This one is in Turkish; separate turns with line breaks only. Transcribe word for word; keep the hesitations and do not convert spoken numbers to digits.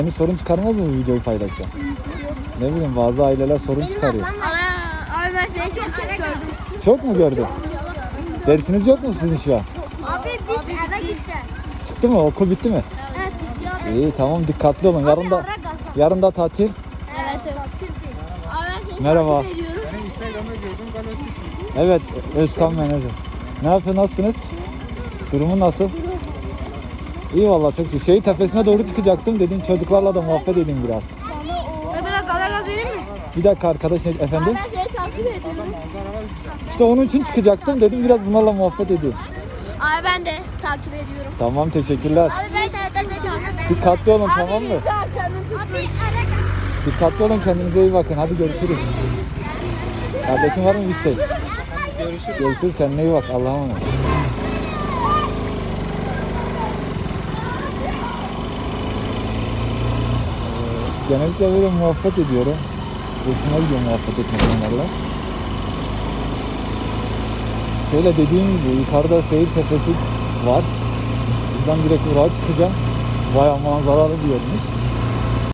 Yani sorun çıkarmaz mı bu videoyu paylaşsa? Ne bileyim bazı aileler sorun çıkarıyor.
Ana, abi ben seni çok gördüm.
Çok mu gördün? Dersiniz yok mu sizin şu an?
Abi biz eve gideceğiz.
Çıktı mı? Okul bitti mi?
Evet bitti abi.
İyi tamam dikkatli olun. Yarın da yarın da tatil.
Evet evet. Abi ben seni
Merhaba.
takip ediyorum.
Benim Instagram'da gördüm galiba sizsiniz.
Evet Özkan menajer. Ne yapıyor nasılsınız? Durumu nasıl? İyi vallahi çok iyi. Şehir tepesine doğru çıkacaktım dedim çocuklarla da muhabbet edeyim biraz.
Ve biraz ara gaz vereyim mi?
Bir dakika arkadaş ne efendim?
Abi ben seni takip ediyorum.
Manzaralar güzel.
İşte onun için çıkacaktım dedim biraz bunlarla muhabbet edeyim.
Abi ben de takip ediyorum.
Tamam teşekkürler.
Abi ben de seni takip ediyorum.
Dikkatli olun tamam mı?
Abi ara gaz.
Dikkatli olun kendinize iyi bakın. Hadi görüşürüz. Kardeşin var mı bir isteğin?
Görüşürüz.
Görüşürüz kendine iyi bak. Allah'a emanet. Ee, Genellikle böyle muhabbet ediyorum. Hoşuma gidiyor muhabbet etmek onlarla. Şöyle dediğim gibi yukarıda seyir tepesi var. Buradan direkt oraya çıkacağım. Bayağı manzaralı bir yermiş.